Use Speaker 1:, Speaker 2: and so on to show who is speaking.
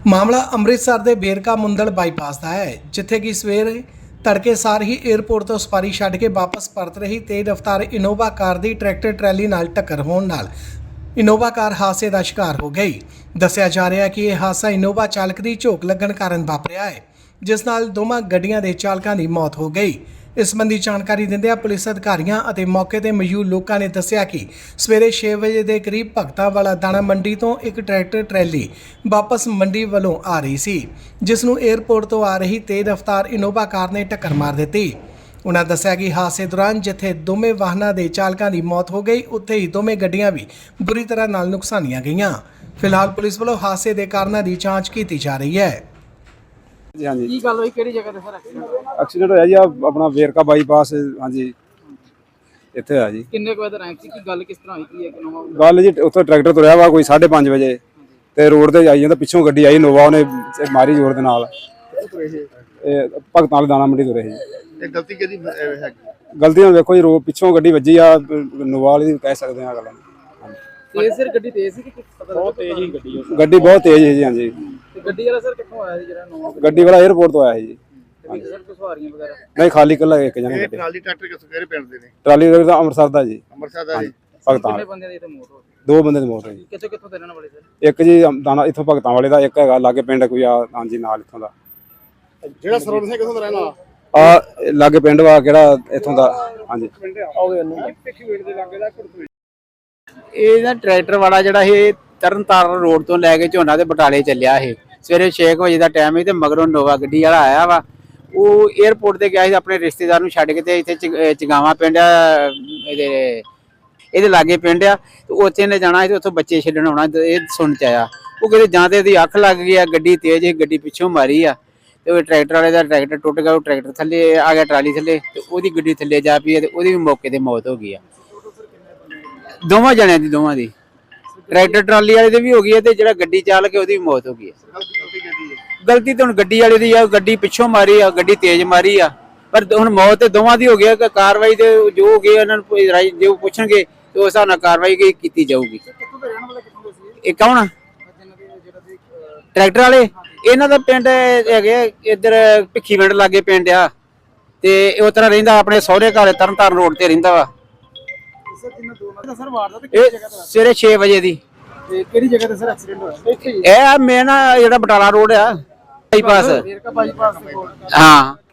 Speaker 1: ਮਾਮਲਾ ਅੰਮ੍ਰਿਤਸਰ ਦੇ ਬੇਰਕਾ ਮੁੰਦਲ ਬਾਈਪਾਸ ਦਾ ਹੈ, ਜਿੱਥੇ ਕਿ ਸਵੇਰੇ ਤੜਕੇ ਸਾਰ ਹੀ 에ਅਰਪੋਰਟ ਤੋਂ ਸਵਾਰੀ ਛੱਡ ਕੇ ਵਾਪਸ ਪਰਤ ਰਹੀ ਤੇਜ਼ ਰਫ਼ਤਾਰ ਇਨੋਵਾ ਕਾਰ ਦੀ ਟਰੈਕਟਰ ਟਰੈਲੀ ਨਾਲ ਟੱਕਰ ਹੋਣ ਨਾਲ ਇਨੋਵਾ ਕਾਰ ਹਾਦਸੇ ਦਾ ਸ਼ਿਕਾਰ ਹੋ ਗਈ। ਦੱਸਿਆ ਜਾ ਰਿਹਾ ਹੈ ਕਿ ਇਹ ਹਾਦਸਾ ਇਨੋਵਾ ਚਾਲਕ ਦੀ ਝੋਕ ਲੱਗਣ ਕਾਰਨ ਵਾਪਰਿਆ ਹੈ, ਜਿਸ ਨਾਲ ਦੋਵਾਂ ਗੱਡੀਆਂ ਦੇ ਚਾਲਕਾਂ ਦੀ ਮੌਤ ਹੋ ਗਈ। ਇਸ ਸੰਬੰਧੀ ਜਾਣਕਾਰੀ ਦਿੰਦਿਆਂ ਪੁਲਿਸ ਅਧਿਕਾਰੀਆਂ ਅਤੇ ਮੌਕੇ ਤੇ ਮੌਜੂਦ ਲੋਕਾਂ ਨੇ ਦੱਸਿਆ ਕਿ ਸਵੇਰੇ 6 ਵਜੇ ਦੇ ਕਰੀਬ ਭਗਤਾਂ ਵਾਲਾ ਦਾਣਾ ਮੰਡੀ ਤੋਂ ਇੱਕ ਟਰੈਕਟਰ ਟਰੈਲੀ ਵਾਪਸ ਮੰਡੀ ਵੱਲੋਂ ਆ ਰਹੀ ਸੀ, ਜਿਸ ਨੂੰ 에ਅਰਪੋਰਟ ਤੋਂ ਆ ਰਹੀ ਤੇਜ਼ ਰਫ਼ਤਾਰ ਇਨੋਵਾ ਕਾਰ ਨੇ ਟੱਕਰ ਮਾਰ ਦਿੱਤੀ। ਉਨ੍ਹਾਂ ਦੱਸਿਆ ਕਿ ਹਾਦਸੇ ਦੌਰਾਨ ਜਿੱਥੇ ਦੋਵੇਂ ਵਾਹਨਾਂ ਦੇ ਚਾਲਕਾਂ ਦੀ ਮੌਤ ਹੋ ਗਈ, ਉੱਥੇ ਹੀ ਦੋਵੇਂ ਗੱਡੀਆਂ ਵੀ ਬੁਰੀ ਤਰ੍ਹਾਂ ਨਾਲ ਨੁਕਸਾਨੀਆਂ ਗਈਆਂ। ਫਿਲਹਾਲ ਪੁਲਿਸ ਵੱਲੋਂ ਹਾਦਸੇ ਦੇ ਕਾਰਨਾਂ ਦੀ ਜਾਂਚ ਕੀਤੀ ਜਾ ਰਹੀ ਹੈ।
Speaker 2: हाँ जी
Speaker 3: ਕੀ ਗੱਲ ਹੋਈ, ਕਿਹੜੀ ਜਗ੍ਹਾ ਤੇ ਸਰ
Speaker 2: एक्सीडेंट होया जी अपना वेरका बाईपास। हाँ जी इत्थे होया जी।
Speaker 3: ਕਿੰਨੇ ਕੁ ਵਜੇ ਰੈਂਕ ਸੀ, ਕੀ ਗੱਲ ਕਿਸ ਤਰ੍ਹਾਂ ਹੋਈ, ਕੀ ਹੈ ਕਿ ਨੋਵਾ
Speaker 2: गल जी उत्थे ट्रैक्टर तुरया वा कोई 5:30 वजे ते रोड ते आई जांदा, पिछों गड्डी आई नोवा, ਉਹਨੇ ਮਾਰੀ ਜ਼ੋਰ ਦੇ ਨਾਲ। ਇਹ ਭਗਤਾਂ ਵਾਲੇ ਦਾਣਾ ਮੰਡੀ ਤੁਰੇ ਜੀ।
Speaker 4: ਇਹ ਗਲਤੀ ਕਿਹਦੀ ਹੈਗੀ?
Speaker 2: ਗਲਤੀ ਨਾਲ ਵੇਖੋ ਜੀ, ਪਿੱਛੋਂ ਗੱਡੀ ਵੱਜੀ ਆ, ਨੋਵਾ ਵਾਲੀ ਦੀ ਕਹਿ ਸਕਦੇ ਆ ਗੱਲ।
Speaker 3: ਤੇਜ਼ ਸਰ ਗੱਡੀ ਤੇਜ਼ ਸੀ ਕਿ ਪਤਾ ਬਹੁਤ ਤੇਜ਼ ਹੀ ਗੱਡੀ
Speaker 2: ਗੱਡੀ ਬਹੁਤ ਤੇਜ਼ ਹੈ ਜੀ। ਹਾਂਜੀ
Speaker 3: ਤੇ ਗੱਡੀ ਵਾਲਾ ਸਰ ਕਿੱਥੋਂ ਆਇਆ ਸੀ ਜਿਹੜਾ ਨੋਵਾ
Speaker 2: ਗੱਡੀ ਵਾਲਾ 에ਅਰਪੋਰਟ ਤੋਂ ਆਇਆ ਜੀ।
Speaker 3: ਸਰ ਕੋਈ ਸਵਾਰੀਆਂ ਵਗੈਰਾ
Speaker 2: ਨਹੀਂ, ਖਾਲੀ ਕੱਲਾ ਇੱਕ ਜਣਾ
Speaker 4: ਇਹ
Speaker 2: ਗੱਡੀ।
Speaker 4: ਟਰਾਲੀ ਟਰੈਕਟਰ ਕਿਹੜੇ ਪਿੰਡ ਦੇ ਨੇ?
Speaker 2: ਟਰਾਲੀ ਦਾ ਅੰਮ੍ਰਿਤਸਰ ਦਾ ਜੀ,
Speaker 4: ਅੰਮ੍ਰਿਤਸਰ ਦਾ ਜੀ।
Speaker 2: ਭਗਤਾਂ
Speaker 3: ਕਿੰਨੇ
Speaker 2: ਵਾਲੇ।
Speaker 3: ਬੰਦਿਆਂ ਦੀ ਇੱਥੇ ਮੌਤ ਹੋ ਗਈ?
Speaker 2: ਦੋ ਬੰਦੇ ਦੀ ਮੌਤ ਹੋਈ ਜੀ।
Speaker 3: ਕਿੱਥੋਂ ਕਿੱਥੋਂ ਦੇ ਰਹਿਣ ਵਾਲੇ ਸਰ?
Speaker 2: ਇੱਕ ਜੀ ਦਾਣਾ ਇੱਥੋਂ ਭਗਤਾਂ ਵਾਲੇ ਦਾ, ਇੱਕ ਹੈਗਾ ਲਾਗੇ ਪਿੰਡ ਕੋਈ ਆ। ਹਾਂਜੀ ਨਾਲ ਇੱਥੋਂ ਦਾ
Speaker 4: ਜਿਹੜਾ ਸਰਵਣ ਸਿੰਘ ਕਿਥੋਂ ਦਾ ਰਹਿਣ ਵਾਲਾ?
Speaker 2: ਆ ਲਾਗੇ ਪਿੰਡ ਵਾ ਕਿਹੜਾ ਇੱਥੋਂ ਦਾ। ਹਾਂਜੀ
Speaker 5: ਇਹ ਨਾ ਟਰੈਕਟਰ ਵਾਲਾ ਜਿਹੜਾ ਇਹ ਤਰਨਤਾਰਨ ਰੋਡ ਤੋਂ ਲੈ ਕੇ ਝੋਨਾ ਤੇ ਬਟਾਲੇ ਚੱਲਿਆ ਇਹ ਸਵੇਰੇ 6 ਵਜੇ ਦਾ ਟਾਈਮ ਹੈ ਤੇ ਮਗਰੋਂ ਨੋਵਾ ਗੱਡੀ ਵਾਲਾ ਆਇਆ ਵਾ। ਉਹ 에ਅਰਪੋਰਟ ਤੇ ਗਿਆ ਸੀ ਆਪਣੇ ਰਿਸ਼ਤੇਦਾਰ ਨੂੰ ਛੱਡ ਕੇ ਤੇ ਇੱਥੇ ਚਗਾਵਾ ਪਿੰਡ ਆ, ਇਹਦੇ ਲਾਗੇ ਪਿੰਡ ਆ, ਤੇ ਉੱਥੇ ਨੇ ਜਾਣਾ ਸੀ ਤੇ ਉੱਥੋਂ ਬੱਚੇ ਛੱਡਣ ਆਉਣਾ। ਇਹ ਸੁਣ ਚ ਆਇਆ ਉਹ ਕਿਤੇ ਜਾਂ ਤੇ ਇਹਦੀ ਅੱਖ ਲੱਗ ਗਈ ਆ, ਗੱਡੀ ਤੇਜ਼ ਸੀ, ਗੱਡੀ ਪਿੱਛੋਂ ਮਾਰੀ ਆ ਤੇ ਉਹ ਟਰੈਕਟਰ ਵਾਲੇ ਦਾ ਟਰੈਕਟਰ ਟੁੱਟ ਗਿਆ। ਉਹ ਟਰੈਕਟਰ ਥੱਲੇ ਆ ਗਿਆ, ਟਰਾਲੀ ਥੱਲੇ, ਤੇ ਉਹਦੀ ਗੱਡੀ ਥੱਲੇ ਜਾ ਪਈ ਤੇ ਉਹਦੀ ਵੀ ਮੌਕੇ ਤੇ ਮੌਤ ਹੋ ਗਈ ਆ। ਦੋਵਾਂ ਜਣਿਆਂ ਦੀ, ਦੋਵਾਂ ਦੀ, ਟਰੈਕਟਰ ਟਰਾਲੀ ਵਾਲੇ ਦੀ ਵੀ ਹੋ ਗਈ ਹੈ ਤੇ ਜਿਹੜਾ ਗੱਡੀ ਚਾਲਕ ਹੈ ਉਹਦੀ ਵੀ ਮੌਤ ਹੋ ਗਈ ਹੈ। ਗਲਤੀ ਤਾਂ ਹੁਣ ਗੱਡੀ ਵਾਲੇ ਦੀ ਆ, ਗੱਡੀ ਪਿੱਛੋਂ ਮਾਰੀ ਆ, ਗੱਡੀ ਤੇਜ਼ ਮਾਰੀ ਆ, ਪਰ ਹੁਣ ਮੌਤ ਤੇ ਦੋਵਾਂ ਦੀ ਹੋ ਗਈ ਹੈ। ਕਾਰਵਾਈ ਤੇ ਜੋ ਹੋ ਗਈ ਉਹਨਾਂ ਨੂੰ ਜੋ ਪੁੱਛਣਗੇ ਤੇ ਉਸ ਹਿਸਾਬ ਨਾਲ ਕਾਰਵਾਈ ਕੀਤੀ ਜਾਊਗੀ। ਇਹ ਕੌਣ ਟਰੈਕਟਰ ਵਾਲੇ? ਇਹਨਾਂ ਦਾ ਪਿੰਡ ਹੈਗੇ ਇੱਧਰ ਭਿੱਖੀ ਪਿੰਡ ਲਾਗੇ ਪਿੰਡ ਆ, ਤੇ ਇਹ ਉਤਰਾ ਰਹਿੰਦਾ ਆਪਣੇ ਸਹੁਰੇ ਘਰ ਤਰਨਤਾਰਨ ਰੋਡ ਤੇ ਰਹਿੰਦਾ ਵਾ।
Speaker 3: ਸਰ ਵਾਰਦਾਤ
Speaker 5: ਇਹ ਸਵੇਰੇ 6 ਵਜੇ ਦੀ।
Speaker 3: ਤੇ ਕਿਹੜੀ ਜਗ੍ਹਾ ਤੇ ਸਰ ਐਕਸੀਡੈਂਟ ਹੋਇਆ? ਇੱਥੇ ਹੀ
Speaker 5: ਇਹ ਮੇਨ ਜਿਹੜਾ ਬਟਾਲਾ ਰੋਡ ਆ ਬਾਈਪਾਸ।
Speaker 3: ਵੇਰਕਾ ਬਾਈਪਾਸ ਦੇ ਕੋਲ।
Speaker 5: ਹਾਂ